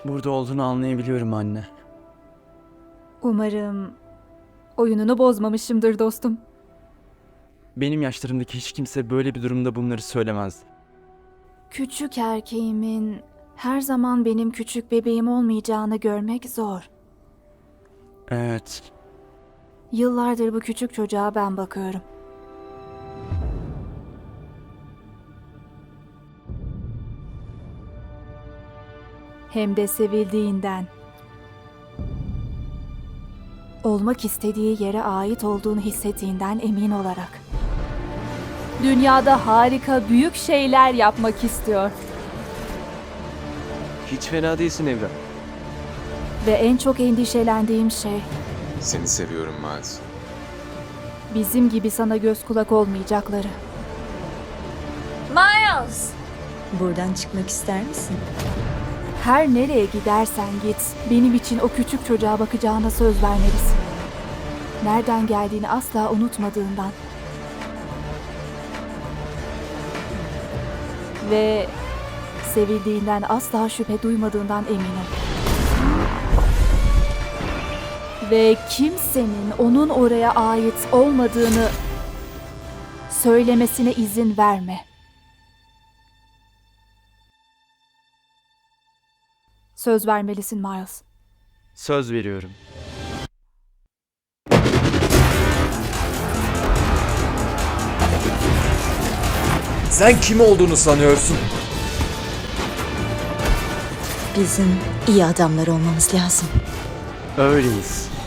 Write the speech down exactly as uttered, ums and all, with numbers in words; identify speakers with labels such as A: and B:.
A: Burada olduğunu anlayabiliyorum anne.
B: Umarım oyununu bozmamışımdır dostum.
A: Benim yaşlarımdaki hiç kimse böyle bir durumda bunları söylemezdi.
B: Küçük erkeğimin her zaman benim küçük bebeğim olmayacağını görmek zor.
A: Evet.
B: Yıllardır bu küçük çocuğa ben bakıyorum. Hem de sevildiğinden. Olmak istediği yere ait olduğunu hissettiğinden emin olarak. Dünyada harika, büyük şeyler yapmak istiyor.
C: Hiç fena değilsin evlat.
B: Ve en çok endişelendiğim şey,
D: Seni seviyorum Miles.
B: bizim gibi sana göz kulak olmayacakları.
E: Miles! Buradan çıkmak ister misin?
B: Her nereye gidersen git, benim için o küçük çocuğa bakacağına söz vermelisin. Nereden geldiğini asla unutmadığından. Ve sevildiğinden asla şüphe duymadığından eminim. Ve kimsenin onun oraya ait olmadığını söylemesine izin verme. Söz vermelisin Miles.
A: Söz veriyorum.
F: Sen kim olduğunu sanıyorsun?
E: Bizim iyi adamlar olmamız lazım.
A: Öyleyiz.